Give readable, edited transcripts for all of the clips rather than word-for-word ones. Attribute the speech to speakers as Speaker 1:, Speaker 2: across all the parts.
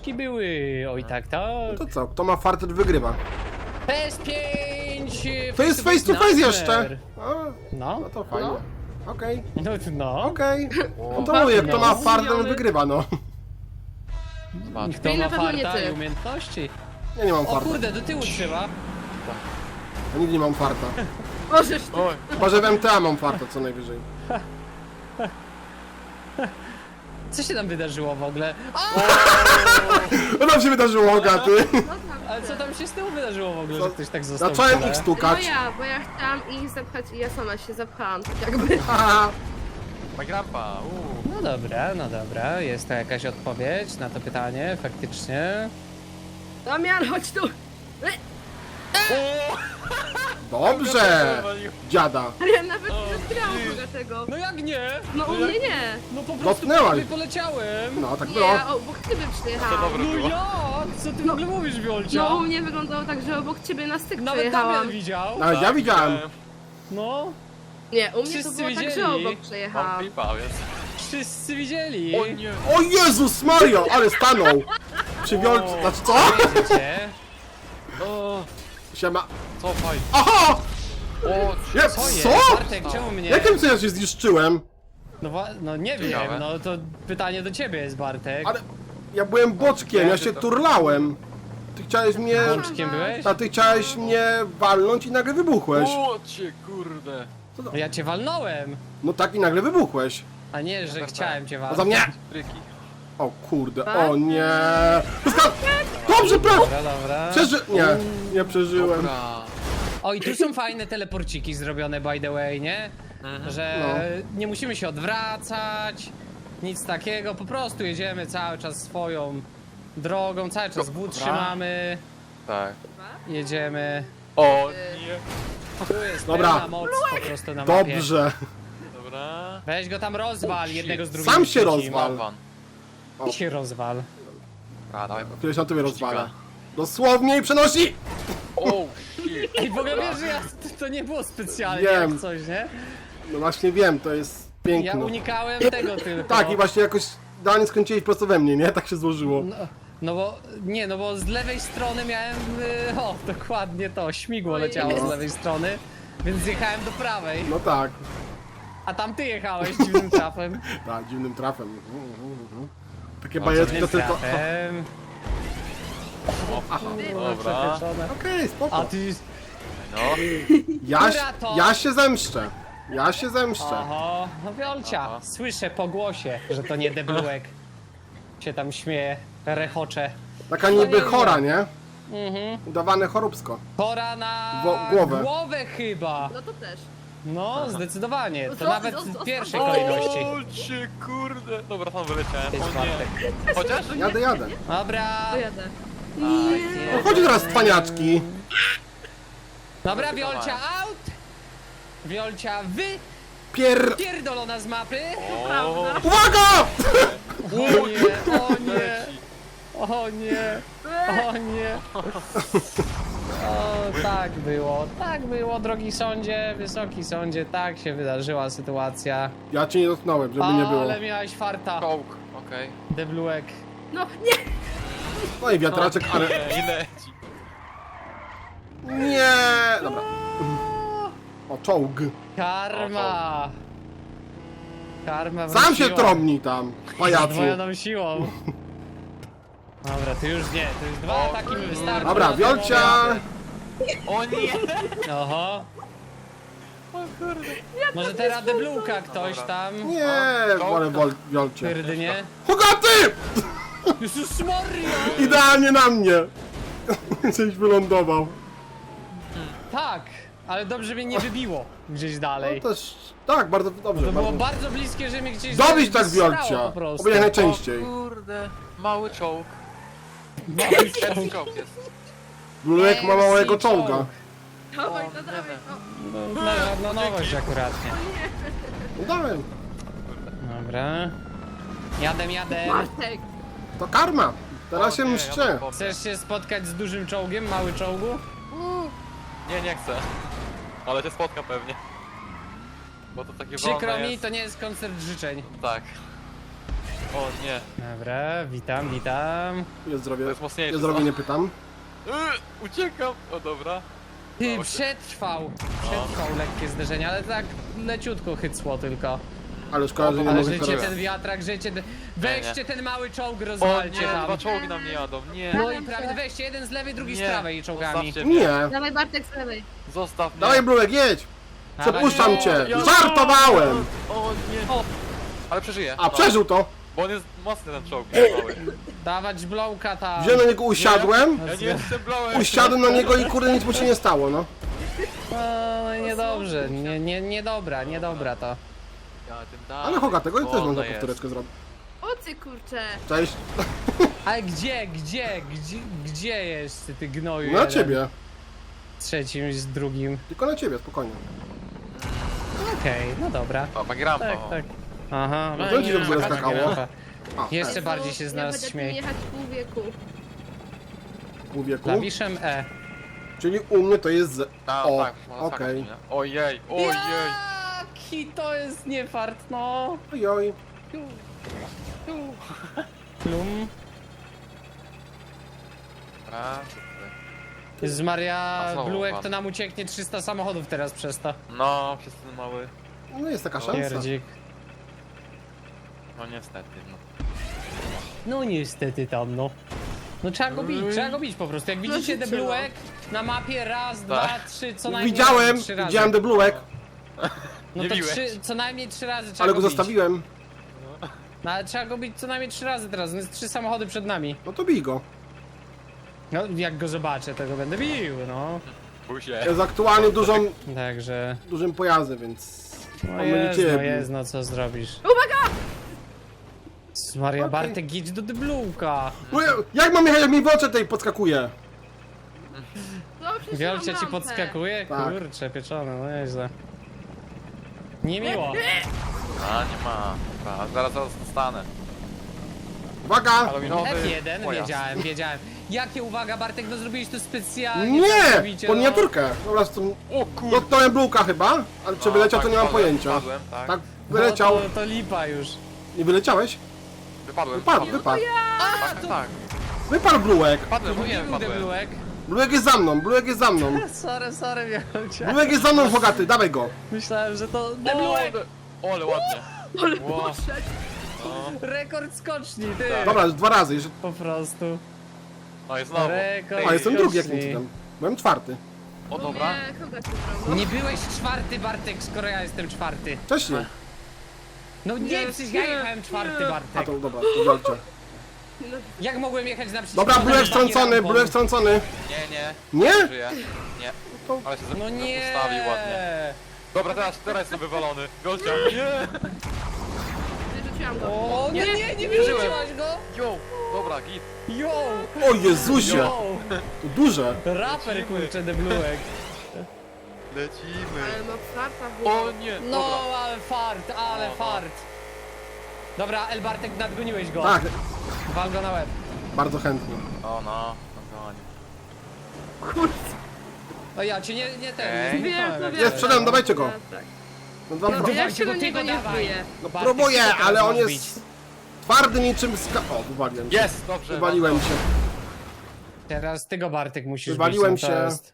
Speaker 1: waleczki były. Oj tak, tak.
Speaker 2: To co? Kto ma fartet wygrywa.
Speaker 1: PS5!
Speaker 2: To jest face to face jeszcze! A,
Speaker 1: No,
Speaker 2: no to fajnie. Okej,
Speaker 1: no.
Speaker 2: okej. No to mówię, kto ma fartet, ten wygrywa, no.
Speaker 3: Patrz.
Speaker 1: Kto
Speaker 4: I
Speaker 1: ma
Speaker 4: na pewno nie
Speaker 1: farta
Speaker 4: ty.
Speaker 1: i umiejętności?
Speaker 2: Ja nie mam
Speaker 1: O
Speaker 2: farta.
Speaker 1: kurde, do tyłu trzeba.
Speaker 2: Ja nigdy nie mam farta.
Speaker 4: Możesz ty.
Speaker 3: Oj,
Speaker 2: Chyba, że w MTA mam farta co najwyżej.
Speaker 1: Co się tam wydarzyło w ogóle? A,
Speaker 2: Co tam się wydarzyło, Ogaty?
Speaker 4: No tak.
Speaker 1: ale co tam się z tyłu wydarzyło w ogóle,
Speaker 2: Co?
Speaker 1: że ktoś tak został? w
Speaker 2: Zacząłem
Speaker 1: tle?
Speaker 2: ich
Speaker 4: No
Speaker 2: stukać.
Speaker 4: bo ja chciałam ich zapchać i ja sama się zapchałam, tak jakby.
Speaker 2: Haha.
Speaker 3: ma grampa,
Speaker 1: No dobra, jest to jakaś odpowiedź na to pytanie, faktycznie.
Speaker 4: Damian, chodź tu!
Speaker 2: Dobrze! Dziada.
Speaker 4: Ale ja nawet nie zgrałam tego.
Speaker 1: No jak nie?
Speaker 4: No u mnie nie.
Speaker 1: No po prostu
Speaker 2: Dotknęłaś.
Speaker 1: prawie poleciałem.
Speaker 2: No, tak
Speaker 4: Nie,
Speaker 2: było.
Speaker 4: ja obok ciebie
Speaker 3: To
Speaker 4: przyjechałam.
Speaker 3: dobre
Speaker 1: No
Speaker 3: było.
Speaker 1: jak? Co ty w ogóle mówisz, Wiolcia?
Speaker 4: No u mnie wyglądało tak, że obok ciebie na styk
Speaker 1: Nawet
Speaker 4: przejechałam.
Speaker 1: Damian widział.
Speaker 2: Nawet ja widziałem.
Speaker 1: No,
Speaker 4: Nie, u mnie
Speaker 1: Wszyscy
Speaker 4: to było tak,
Speaker 1: widzieli.
Speaker 4: że obok
Speaker 3: Mam
Speaker 4: przejechałam.
Speaker 3: pipa, więc...
Speaker 1: wszyscy widzieli.
Speaker 3: O nie!
Speaker 2: O Jezus Mario, ale stanął! Przy wiolce, znaczy co?
Speaker 1: Wiecie?
Speaker 3: O,
Speaker 2: Siema.
Speaker 3: cofaj!
Speaker 2: Aha!
Speaker 3: O,
Speaker 2: Ja,
Speaker 1: Co jest?
Speaker 2: co?
Speaker 1: Bartek, czemu mnie?
Speaker 2: Jakim co ja się zniszczyłem?
Speaker 1: No, no nie wiem,
Speaker 3: Ciekawe.
Speaker 1: no to pytanie do ciebie jest, Bartek.
Speaker 2: Ale ja byłem boczkiem, ja się turlałem. Ty chciałeś mnie...
Speaker 1: Łączkiem byłeś?
Speaker 2: A ty chciałeś mnie walnąć i nagle wybuchłeś.
Speaker 3: o cię, kurde!
Speaker 1: No ja cię walnąłem,
Speaker 2: No tak i nagle wybuchłeś.
Speaker 1: a nie, że chciałem cię
Speaker 2: A
Speaker 1: walnąć.
Speaker 2: za mnie!
Speaker 3: Fryki.
Speaker 2: O kurde, o nie! Dobrze,
Speaker 1: Dobra.
Speaker 2: Nie przeżyłem.
Speaker 3: Dobra.
Speaker 1: O i tu są fajne teleporciki zrobione, by the way, nie? Że nie musimy się odwracać, nic takiego, po prostu jedziemy cały czas swoją drogą, cały czas W trzymamy,
Speaker 3: Tak.
Speaker 1: jedziemy.
Speaker 3: O nie!
Speaker 1: Tu jest
Speaker 2: Dobra.
Speaker 1: pełna moc po prostu na mapie.
Speaker 2: Dobrze.
Speaker 3: Dobra.
Speaker 1: Weź go tam rozwal, jednego z drugim.
Speaker 2: Sam się
Speaker 1: wrzucimy.
Speaker 2: rozwal.
Speaker 3: Van.
Speaker 1: Ty się rozwal.
Speaker 3: A, dawaj.
Speaker 2: Któryś na tobie rozwala. Dosłownie i przenosi!
Speaker 3: O, shit!
Speaker 1: Ej, w ogóle wiesz, że to nie było specjalnie
Speaker 2: Wiem.
Speaker 1: jak coś, nie?
Speaker 2: No właśnie wiem, to jest
Speaker 1: Ja
Speaker 2: piękne.
Speaker 1: unikałem tego tylko.
Speaker 2: Tak, i właśnie jakoś idealnie skręciłeś prosto we mnie, nie? Tak się złożyło.
Speaker 1: No bo z lewej strony miałem, o dokładnie to, śmigło leciało z lewej strony, więc zjechałem do prawej,
Speaker 2: No tak,
Speaker 1: a tam ty jechałeś dziwnym trafem.
Speaker 2: tak, dziwnym trafem. Takie
Speaker 3: O,
Speaker 2: bajeczki to
Speaker 1: Dziwnym
Speaker 2: tylko...
Speaker 1: trafem.
Speaker 3: Dobra.
Speaker 1: Przepieczone.
Speaker 2: Okej,
Speaker 1: A
Speaker 2: spoko.
Speaker 1: ty,
Speaker 3: No.
Speaker 1: Która to?
Speaker 2: Ja się zemszczę. Ja się zemszczę.
Speaker 1: oho, no Wiolcia,
Speaker 3: Aha.
Speaker 1: słyszę po głosie, że to nie deblułek. Się tam śmieje, rechocze.
Speaker 2: Taka niby chora, nie?
Speaker 1: Mhm.
Speaker 2: Udawane choróbsko.
Speaker 1: Pora na
Speaker 2: Głowę.
Speaker 1: chyba.
Speaker 4: No to też.
Speaker 1: No, zdecydowanie, to
Speaker 4: Co?
Speaker 1: nawet w pierwszej kolejności.
Speaker 3: O cię, kurde! Dobra, tam wyleciałem.
Speaker 1: Jest
Speaker 3: O
Speaker 1: Bartek.
Speaker 3: nie. Chociaż?
Speaker 2: Jadę.
Speaker 1: Dobra.
Speaker 4: Pojadę.
Speaker 2: No chodź teraz, cwaniaczki.
Speaker 1: Dobra, Wiolcia out! Wiolcia pierdolona z mapy!
Speaker 3: O,
Speaker 2: Uwaga!
Speaker 1: O nie, o nie, o nie, o nie. O, tak było, drogi sądzie, wysoki sądzie, tak się wydarzyła sytuacja.
Speaker 2: Ja cię nie dotknąłem, żeby nie było.
Speaker 1: Ale miałeś farta,
Speaker 3: czołg, okej.
Speaker 1: deblułek.
Speaker 4: No nie!
Speaker 2: No i wiatraczek, ale...
Speaker 3: I leci.
Speaker 2: Nie! Dobra. O, czołg.
Speaker 1: Karma! Karma
Speaker 2: Sam się
Speaker 1: wróciła.
Speaker 2: trąbnij tam, pajacu.
Speaker 1: Zdwojoną siłą. Dobra, to już nie, to już dwa
Speaker 3: O,
Speaker 1: ataki mi wystarczą.
Speaker 2: Dobra,
Speaker 1: na
Speaker 2: Wiolcia!
Speaker 3: O nie!
Speaker 1: ten Oho. Może teraz deblułka ktoś tam.
Speaker 2: Nie, wolę Wiolcie.
Speaker 1: Pierdnie.
Speaker 2: Hogaty!
Speaker 1: Jezus Maria!
Speaker 2: Idealnie na mnie! Coś wylądował.
Speaker 1: Tak, ale dobrze mnie nie wybiło gdzieś dalej.
Speaker 2: No też, tak, bardzo dobrze.
Speaker 1: To było
Speaker 2: Bardzo...
Speaker 1: bardzo bliskie, że mnie gdzieś
Speaker 2: Dobić tak
Speaker 1: zesrało
Speaker 2: Wiolcia!
Speaker 1: po prostu.
Speaker 2: Oby jak najczęściej.
Speaker 3: O kurde, mały czołg.
Speaker 1: Mały
Speaker 3: Pierwszy czołg jest.
Speaker 2: Blulek ma małego czołga.
Speaker 4: Dawaj,
Speaker 3: O,
Speaker 4: no dawaj.
Speaker 3: nie
Speaker 4: O.
Speaker 1: No nowość akuratnie.
Speaker 2: Udałem.
Speaker 1: Dobra. Jadę.
Speaker 4: Bartek!
Speaker 2: To karma. Teraz się
Speaker 3: O nie,
Speaker 2: mszczę.
Speaker 3: ja mam pomysł.
Speaker 1: Chcesz się spotkać z dużym czołgiem, mały czołgu?
Speaker 3: Nie, nie chcę. Ale cię spotka pewnie. Bo to takie
Speaker 1: Przykro
Speaker 3: wolne
Speaker 1: mi,
Speaker 3: jest.
Speaker 1: to nie jest koncert życzeń.
Speaker 3: Tak. O nie,
Speaker 1: Dobra, witam, witam.
Speaker 2: Jest zdrowie.
Speaker 3: to jest mocniejsze.
Speaker 2: Jest zdrowie, nie pytam.
Speaker 3: Uciekam! O dobra.
Speaker 1: Ty,
Speaker 3: Udało się.
Speaker 1: przetrwał lekkie zderzenie, ale tak leciutko chycło tylko.
Speaker 2: Ale szkoda, że nie
Speaker 1: Ale
Speaker 2: mogę
Speaker 1: życie
Speaker 2: teraz.
Speaker 1: ten wiatrak, życie... Weźcie ten mały czołg,
Speaker 3: O
Speaker 1: rozwalcie
Speaker 3: nie,
Speaker 1: tam.
Speaker 3: dwa czołgi na mnie jadą, nie.
Speaker 1: No i prawie, weźcie jeden z lewej, drugi z
Speaker 3: Nie.
Speaker 1: prawej czołgami.
Speaker 3: Zostawcie mnie.
Speaker 2: Nie.
Speaker 4: Dawaj Bartek z lewej.
Speaker 3: Zostaw mnie.
Speaker 2: Dawaj, Bluek, jedź! Przepuszczam
Speaker 1: Dawaj.
Speaker 2: cię!
Speaker 3: Ja-
Speaker 2: Żartowałem!
Speaker 3: O nie.
Speaker 1: O.
Speaker 3: Ale przeżyję.
Speaker 2: A, przeżył to!
Speaker 3: Bo on jest mocny ten czołg, mały.
Speaker 1: Dawać blowka tam.
Speaker 2: Wziąłem na niego, usiadłem,
Speaker 3: Ja nie jestem blałem.
Speaker 2: usiadłem na niego i kurde nic mu się nie stało, no.
Speaker 1: No, niedobrze, niedobra to.
Speaker 3: Ja tym dalej.
Speaker 2: Ale Hoga, tego też
Speaker 3: Wolno
Speaker 2: można
Speaker 3: jest.
Speaker 2: powtóreczkę zrobić.
Speaker 4: O ty kurczę.
Speaker 2: Cześć.
Speaker 1: Ale gdzie jest ty gnoju?
Speaker 2: Na
Speaker 1: jeden?
Speaker 2: ciebie.
Speaker 1: Z trzecim, z drugim.
Speaker 2: Tylko na ciebie, spokojnie.
Speaker 1: Okej, no dobra.
Speaker 3: O, ma grampa.
Speaker 1: Tak, tak. Aha,
Speaker 2: No to ci dobrze
Speaker 1: taka
Speaker 2: skakało.
Speaker 1: grafa.
Speaker 2: A,
Speaker 1: Jeszcze bardziej się z
Speaker 4: Ja
Speaker 1: nas
Speaker 4: będę tu
Speaker 1: śmieje.
Speaker 4: jechać pół wieku.
Speaker 2: pół wieku.
Speaker 1: Klawiszem E.
Speaker 2: Czyli u mnie to jest z...
Speaker 3: A,
Speaker 2: O,
Speaker 3: tak, można
Speaker 2: okej.
Speaker 3: skakać, nie? Ojej, ojej.
Speaker 1: Jaki to jest niefart, no.
Speaker 2: Ojoj.
Speaker 1: Plum.
Speaker 3: A,
Speaker 1: Z Maria
Speaker 3: A znowu
Speaker 1: Bluek
Speaker 3: pan.
Speaker 1: to nam ucieknie 300 samochodów teraz przez to.
Speaker 3: no, przez ten mały.
Speaker 2: No jest taka szansa.
Speaker 1: Pierdzik.
Speaker 3: No niestety, no.
Speaker 1: No niestety tam, no. No trzeba go bić po prostu. Jak widzicie
Speaker 4: życie,
Speaker 1: Debluek na mapie raz, dwa, trzy, co najmniej
Speaker 2: Widziałem,
Speaker 1: 3 razy.
Speaker 2: widziałem debluek,
Speaker 1: No
Speaker 3: Nie
Speaker 1: to
Speaker 3: biłeś.
Speaker 1: co najmniej 3 razy trzeba
Speaker 2: ale go
Speaker 1: bić.
Speaker 2: zostawiłem.
Speaker 1: No ale trzeba go bić co najmniej 3 razy teraz, no jest 3 samochody przed nami.
Speaker 2: No to bij go.
Speaker 1: No jak go zobaczę, to go będę bił, no.
Speaker 3: Bój się.
Speaker 2: Jest aktualnie
Speaker 1: Także...
Speaker 2: dużym pojazdem, więc...
Speaker 1: No
Speaker 2: on będzie
Speaker 1: jest,
Speaker 2: ciebie
Speaker 1: no
Speaker 2: bił.
Speaker 1: jest, no co zrobisz.
Speaker 4: Uwaga!
Speaker 1: Maria
Speaker 2: Okej.
Speaker 1: Bartek, idź do Debluka.
Speaker 2: No, jak mam jechać, jak mi w oczy tej podskakuje?
Speaker 4: No przecież
Speaker 1: Wielcia
Speaker 4: mam
Speaker 1: ci
Speaker 4: lampę.
Speaker 1: podskakuje?
Speaker 2: Tak.
Speaker 1: Kurczę, pieczone, no nieźle. Niemiło.
Speaker 3: A, nie ma. A, zaraz dostanę.
Speaker 2: Uwaga!
Speaker 3: Halloweenowy
Speaker 1: F1,
Speaker 3: pojazd.
Speaker 1: wiedziałem. Jakie uwaga, Bartek, no zrobiliście to specjalnie. tak
Speaker 2: Nie!
Speaker 1: zrobicie,
Speaker 2: Po
Speaker 1: no.
Speaker 2: miniaturkę. Dobra, to...
Speaker 3: O kurde.
Speaker 2: Dotknąłem bluka chyba, ale czy wyleciał to nie mam pojęcia.
Speaker 3: Wypadłem, tak.
Speaker 2: Tak,
Speaker 1: No
Speaker 2: wyleciał.
Speaker 1: to lipa już.
Speaker 2: Nie wyleciałeś?
Speaker 3: Wypadłem.
Speaker 2: Wypadł, wypadł.
Speaker 3: Tak, tak.
Speaker 2: Wypadł bluek.
Speaker 3: Wypadłem, no nie
Speaker 1: Nie był
Speaker 3: wypadłem.
Speaker 1: Debluek.
Speaker 2: Bluek jest za mną, bluek jest za mną.
Speaker 1: Sorry, Wielcia.
Speaker 2: Bluek jest za mną, Hogaty, dawaj go.
Speaker 1: Myślałem, że to
Speaker 3: O,
Speaker 1: Debluek.
Speaker 3: o, ale ładnie.
Speaker 4: Ale
Speaker 3: Wow.
Speaker 4: poszedł.
Speaker 1: Rekord skoczni, ty.
Speaker 2: Dobra, już 2 razy. Jeszcze...
Speaker 1: Po prostu.
Speaker 3: No jest znowu.
Speaker 1: Rekord.
Speaker 2: A, jestem drugi jak
Speaker 1: skoczni.
Speaker 2: nic tam. Byłem 4.
Speaker 3: O, dobra.
Speaker 4: Nie, kogo ci brał?
Speaker 1: Nie byłeś 4, Bartek, skoro ja jestem 4.
Speaker 2: Wcześniej.
Speaker 1: No nie, przecież ja jechałem 4,
Speaker 2: A
Speaker 1: Bartek.
Speaker 2: to dobra, to walczę.
Speaker 4: No,
Speaker 1: Jak mogłem jechać na przeciwko?
Speaker 2: Dobra, bluek
Speaker 1: na
Speaker 2: strącony,
Speaker 1: rampą?
Speaker 2: bluek strącony.
Speaker 3: Nie,
Speaker 2: Nie?
Speaker 3: żyję. Nie. Ale się
Speaker 1: No nie.
Speaker 3: ustawił ładnie. Dobra, teraz jestem wywalony. Gościa. Nie.
Speaker 4: wyrzuciłam go.
Speaker 1: O nie, nie
Speaker 3: wierzyłem.
Speaker 1: wyrzuciłaś go?
Speaker 3: Yo. Dobra, git.
Speaker 1: Yo,
Speaker 2: O Jezusie,
Speaker 1: yo.
Speaker 2: to duże.
Speaker 1: Raper, kurczę, Debluek.
Speaker 3: Lecimy.
Speaker 4: Ale no farta była.
Speaker 3: O nie.
Speaker 1: No,
Speaker 3: Dobra.
Speaker 1: ale fart, ale
Speaker 3: Oho.
Speaker 1: fart. Dobra, El Bartek, nadgoniłeś go.
Speaker 2: Tak,
Speaker 1: Wal go na łeb.
Speaker 2: bardzo chętnie.
Speaker 3: O no.
Speaker 4: Kurde.
Speaker 1: O ja cię nie
Speaker 3: Ej.
Speaker 1: ten, nie
Speaker 4: Wiem,
Speaker 1: zniknąłem,
Speaker 4: to
Speaker 1: jak
Speaker 4: wiem.
Speaker 2: Jest przede mną, dawajcie go.
Speaker 4: Tak.
Speaker 2: No, dwa,
Speaker 4: No,
Speaker 2: dwa.
Speaker 4: ja się
Speaker 1: go,
Speaker 4: do
Speaker 1: ty
Speaker 4: niego
Speaker 1: go
Speaker 4: nie
Speaker 1: dawaj.
Speaker 4: wbiję.
Speaker 2: No
Speaker 1: Bartek,
Speaker 2: próbuję,
Speaker 1: ty go teraz
Speaker 2: ale on
Speaker 1: masz
Speaker 2: jest twardy niczym ska... O, wywaliłem się.
Speaker 3: Jest, dobrze.
Speaker 2: Wywaliłem się.
Speaker 1: Teraz ty go, Bartek, musisz
Speaker 2: Wywaliłem
Speaker 1: bić, no to
Speaker 2: się.
Speaker 1: jest.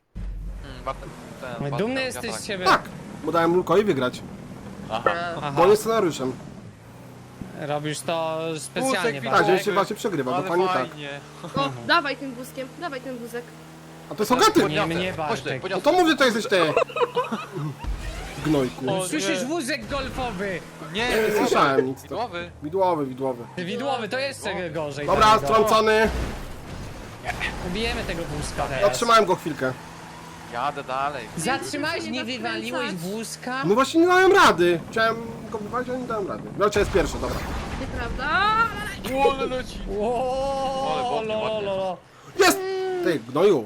Speaker 1: Dumny jesteś z siebie.
Speaker 2: Tak, bo dałem Lukowi wygrać.
Speaker 3: Aha.
Speaker 1: Aha,
Speaker 2: Bo on jest scenariuszem.
Speaker 1: robisz to specjalnie,
Speaker 3: Wózek
Speaker 2: Tak,
Speaker 1: Bartek.
Speaker 2: że się właśnie przegrywa,
Speaker 3: Ale
Speaker 2: dokładnie tak.
Speaker 3: fajnie.
Speaker 4: O, dawaj tym wózkiem, dawaj ten wózek.
Speaker 2: A to jest Hogaty!
Speaker 1: Nie mnie,
Speaker 3: Chodź tutaj,
Speaker 1: Bartek.
Speaker 2: No to mówię, to jesteś ty. Gnojku.
Speaker 3: O,
Speaker 1: Słyszysz
Speaker 3: nie.
Speaker 1: wózek golfowy?
Speaker 3: Nie,
Speaker 2: Nie słyszałem nic.
Speaker 3: Widłowy.
Speaker 2: Widłowy, widłowy.
Speaker 1: Widłowy, to jeszcze gorzej.
Speaker 2: Dobra,
Speaker 1: dla niego.
Speaker 2: strącony.
Speaker 1: Bijemy tego wózka teraz.
Speaker 2: Zatrzymałem go chwilkę.
Speaker 3: Jadę dalej.
Speaker 1: Zatrzymałeś, nie
Speaker 4: Nie
Speaker 1: wywaliłeś
Speaker 4: zakręcać.
Speaker 1: wózka?
Speaker 2: No właśnie nie dałem rady. Chciałem go wywalić, ale nie dałem rady. Wielcia jest pierwszy, dobra.
Speaker 4: Nieprawda?
Speaker 3: O, ale leci. Ale
Speaker 1: Łooo,
Speaker 3: ładnie, ładnie.
Speaker 1: lolo.
Speaker 2: Jest! Ty, gnoju.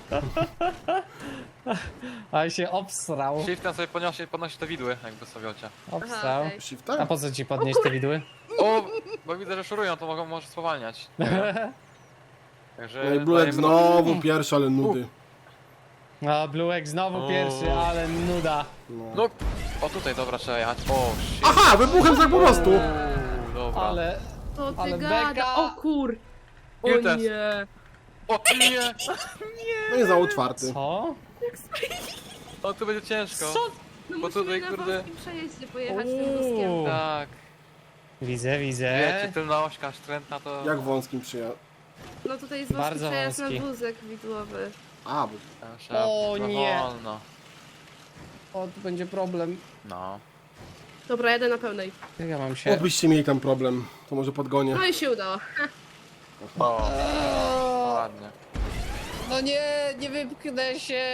Speaker 1: Ale się obsrał.
Speaker 3: Shiftem sobie podnosi te widły, jakby sobie ocia.
Speaker 1: Obsrał.
Speaker 4: Aha, okej.
Speaker 1: A
Speaker 2: Shiftem?
Speaker 1: po co ci podnieść te widły?
Speaker 3: O, bo widzę, że szurują, to może spowalniać. Także
Speaker 2: No i Bluek
Speaker 3: dajemy-
Speaker 2: znowu pierwszy, ale nudy.
Speaker 1: A Bluek znowu
Speaker 3: O.
Speaker 1: pierwszy, ale nuda.
Speaker 3: No, o tutaj, dobra, trzeba jechać. O, shit.
Speaker 2: Aha, wybuchem tak po prostu.
Speaker 3: Dobra.
Speaker 1: Ale
Speaker 4: To ty
Speaker 1: Ale
Speaker 4: gada.
Speaker 1: beka.
Speaker 4: O kur... O
Speaker 3: Ile teraz?
Speaker 4: nie.
Speaker 3: O nie!
Speaker 2: No i znowu czwarty.
Speaker 1: Co?
Speaker 3: O, tu będzie ciężko.
Speaker 1: Co?
Speaker 4: No
Speaker 3: Bo
Speaker 4: musimy
Speaker 3: tutaj,
Speaker 4: na
Speaker 3: kurde-
Speaker 4: wąskim przejeździe pojechać tym wózkiem.
Speaker 3: Tak.
Speaker 1: Widzę, widzę.
Speaker 3: Wiecie, tylna ośka sztrętna to...
Speaker 2: Jak wąskim przyjechał.
Speaker 4: No tutaj jest wąski
Speaker 1: Bardzo
Speaker 4: przejazd na
Speaker 1: wąski.
Speaker 4: wózek widłowy.
Speaker 2: A, bo...
Speaker 3: Trzeba
Speaker 1: O
Speaker 3: trochę
Speaker 1: nie.
Speaker 3: Wolno.
Speaker 1: O, tu będzie problem.
Speaker 3: No.
Speaker 4: Dobra, jadę na pełnej.
Speaker 1: Jak ja mam się...
Speaker 2: Obyście mieli tam problem. To może podgonię.
Speaker 4: No i się udało.
Speaker 3: O, ładnie.
Speaker 1: No nie wypchnę się.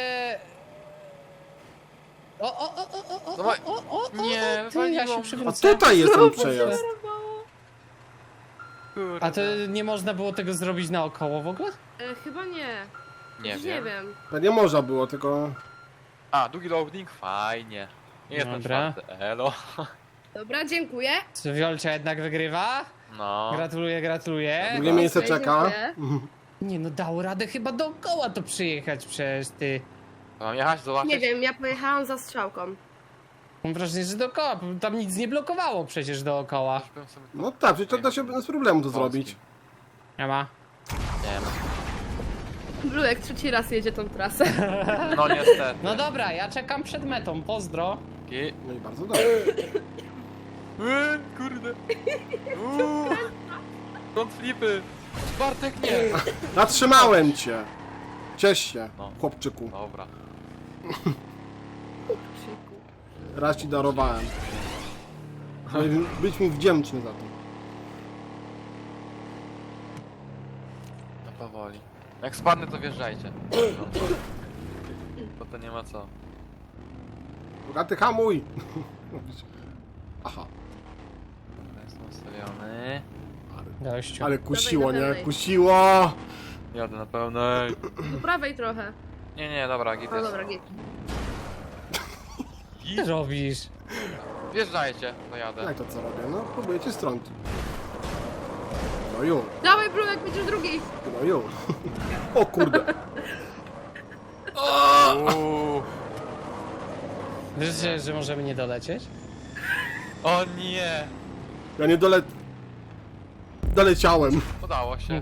Speaker 1: O,
Speaker 3: Dawaj. Nie,
Speaker 1: ty, ja się
Speaker 2: A
Speaker 1: przywrócę.
Speaker 2: tutaj jest ten przejazd.
Speaker 3: Kurde.
Speaker 1: A to nie można było tego zrobić naokoło w ogóle?
Speaker 4: Chyba nie.
Speaker 3: Nie
Speaker 4: Już
Speaker 3: wiem.
Speaker 4: Nie wiem.
Speaker 2: To nie można było, tylko...
Speaker 3: A, długi loading? Fajnie. Nie jest ten
Speaker 1: Dobra.
Speaker 3: czwarty. Elo.
Speaker 4: Dobra, dziękuję.
Speaker 1: Czy Wiolcia jednak wygrywa?
Speaker 3: No.
Speaker 1: Gratuluję, gratuluję.
Speaker 2: Drugie miejsce
Speaker 4: Dziękuję,
Speaker 2: czeka.
Speaker 4: dziękuję.
Speaker 1: Nie no, dało radę chyba dookoła to przyjechać przecież ty.
Speaker 3: To mam jechać, zobaczyć?
Speaker 4: Nie wiem, ja pojechałam za strzałką.
Speaker 1: Mam wrażenie, że dookoła, tam nic nie blokowało przecież dookoła.
Speaker 3: Aż bym sobie...
Speaker 2: No tak, przecież to da się bez problemu to zrobić.
Speaker 1: Nie ma.
Speaker 3: Nie wiem.
Speaker 4: Bluek trzeci raz jedzie tą trasę.
Speaker 3: No niestety.
Speaker 1: No dobra, ja czekam przed metą, pozdro.
Speaker 3: I...
Speaker 2: No i bardzo dobrze.
Speaker 3: Kurde. Front flipy. Bartek nie.
Speaker 2: Zatrzymałem cię! Ciesz się,
Speaker 3: No.
Speaker 2: chłopczyku.
Speaker 3: Dobra.
Speaker 2: Raz ci darowałem. Być mi wdzięczny za to.
Speaker 3: No powoli. Jak spadnę, to wjeżdżajcie. No. Bo to nie ma co.
Speaker 2: Bogaty hamuj! Aha,
Speaker 3: Dobra, jestem ustawiony.
Speaker 1: Gościu.
Speaker 2: ale kusiło,
Speaker 4: Dawaj,
Speaker 2: nie?
Speaker 4: dawaj.
Speaker 2: Kusiło!
Speaker 3: Jadę na pełnej.
Speaker 4: Do prawej trochę.
Speaker 3: Nie, dobra, git
Speaker 4: O
Speaker 3: jest.
Speaker 4: dobra, git.
Speaker 1: Co ty robisz?
Speaker 3: Wjeżdżajcie, to jadę.
Speaker 2: Jak to co robię? No, próbuję cię strącić. No już,
Speaker 4: Dawaj, Bluek, będziesz drugi.
Speaker 2: no już. O kurde.
Speaker 3: Uuu.
Speaker 1: Wiesz, że możemy nie dolecieć?
Speaker 3: O nie!
Speaker 2: Ja nie doleciałem.
Speaker 3: Udało się.